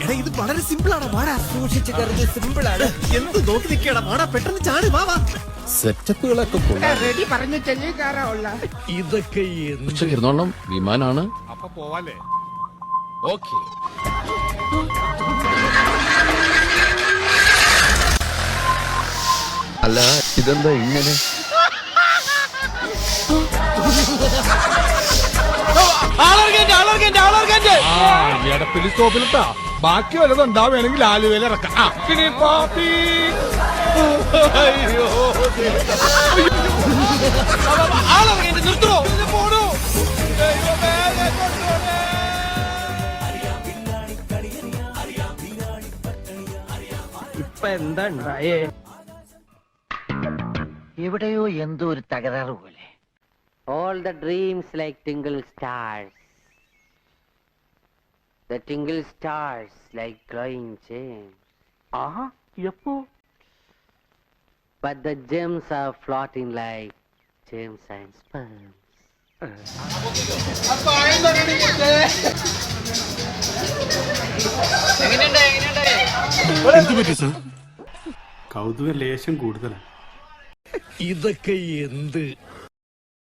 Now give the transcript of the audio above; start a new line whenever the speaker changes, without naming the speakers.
ഇത് വളരെ സിമ്പിൾ ആണ്. വാടാ, സൂക്ഷിച്ച് കരുത്, സിമ്പിൾ ആണ്. എന്ത് നോക്കി നിൽക്കടാ, വാടാ, പെട്ടെന്ന് ചാടി വാ വാ.
സെറ്റപ്പുകളൊക്കെ
റെഡി പറഞ്ഞു ചെല്ലിക്കാറുള്ള
ഇതൊക്കെ
ഇരുന്നോളം വിമാനാണ്.
അപ്പൊ പോവാല്ലേ?
ഓക്കെ. അല്ല ഇതെന്താ ഇങ്ങനെ?
എടപ്പിലി സ്റ്റോപ്പിലിട്ടാ ബാക്കി വല്ലതും ഉണ്ടാവുകയാണെങ്കിൽ ആലുവയിൽ ഇറക്കാം. നിർത്തോ പോണോ?
ഇപ്പൊ എന്താ ഉണ്ടായേ?
എവിടെയോ എന്തോ ഒരു തകരാറ് പോലെ. All the dreams like tingle stars. The tingle stars like glowing gems. Yeppo. But the gems are floating like gems and sperms.
കൗതുക ലേശം കൂടുതലാണ്.
ഇതൊക്കെ എന്ത്